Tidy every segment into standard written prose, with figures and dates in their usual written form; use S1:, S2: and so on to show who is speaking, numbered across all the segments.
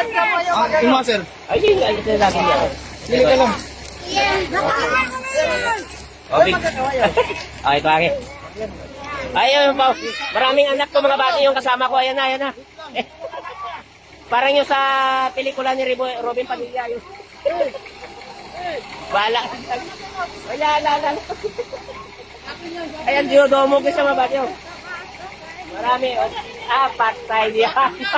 S1: Kuma, sir.
S2: Ay, hindi. Ay, ito lagi niya.
S1: Pili ka lang.
S2: Okay. Ah, ito akin. Ayun po. Maraming anak ko mga bati yung kasama ko. Ayan na, ayan na. Eh, parang yung sa pelikula ni Robin Padilla. Yung... Bala. Ayan, ayan. Ayan, diodomo ko sa mga bati. Marami. Apat tayo diyan.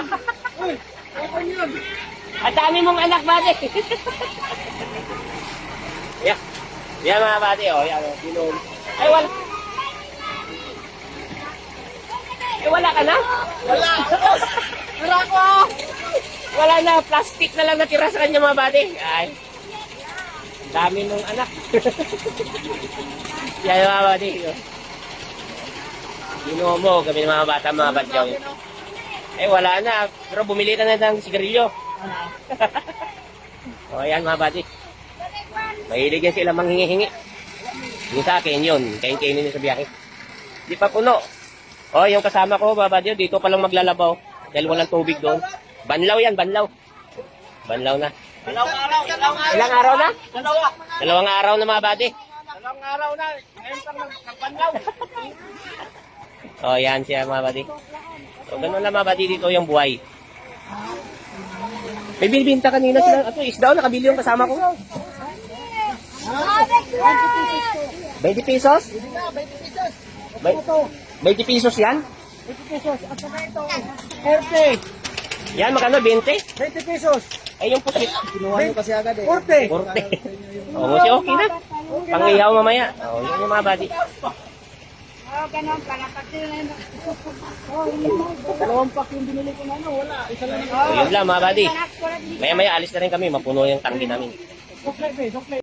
S2: Ang dami mong anak, bati. Yeah. Yan mga bati, oh. Yan, oh. Binom. Ay, wala. Eh, wala ka na?
S1: Wala. Wala ko.
S2: Wala na. Plastic na lang natira sa kanya mga bati. Ay. Ang dami mong anak. Yan mga bati. Binomo kami ng mga bata, mga badyaw. Eh, wala na. Pero bumili na ng sigarilyo. O, ayan mga bati. Mahilig yan sila manghingi-hingi. Yung sa akin yun. Kain-kainin nyo sa biyahe. Di pa puno. O, yung kasama ko, mga bati, dito pa lang maglalabaw. Dahil walang tubig doon. Banlaw yan, banlaw. Banlaw na.
S1: Dalawang araw.
S2: Ilang araw na?
S1: Dalawa.
S2: Dalawang araw na mga bati.
S1: Dalawang araw na. Ngayon pa nagpanlaw.
S2: O, yan siya mga bati. So, ganun lang mga bati dito yung buhay. May binibinta kanina sila. Ito, isda, nakabili yung kasama ko. 20 pesos? 20 pesos yan?
S1: 20 pesos. At saka ito, 40.
S2: Yan, magkano? 20?
S1: 20 pesos.
S2: Ay, yung pusit.
S1: Kinuha nyo kasi agad eh.
S2: 40. O, kasi okay na. Pangihaw mamaya. O, yun yung mga badi.
S3: Ganon pala. Pati na yun.
S1: Dalawang pack yung binili ko na ano, wala. Isa lang.
S2: O, yun lang mga badi. Maya-maya alis na rin kami. Mapuno yung tanggi namin.
S1: Sukle.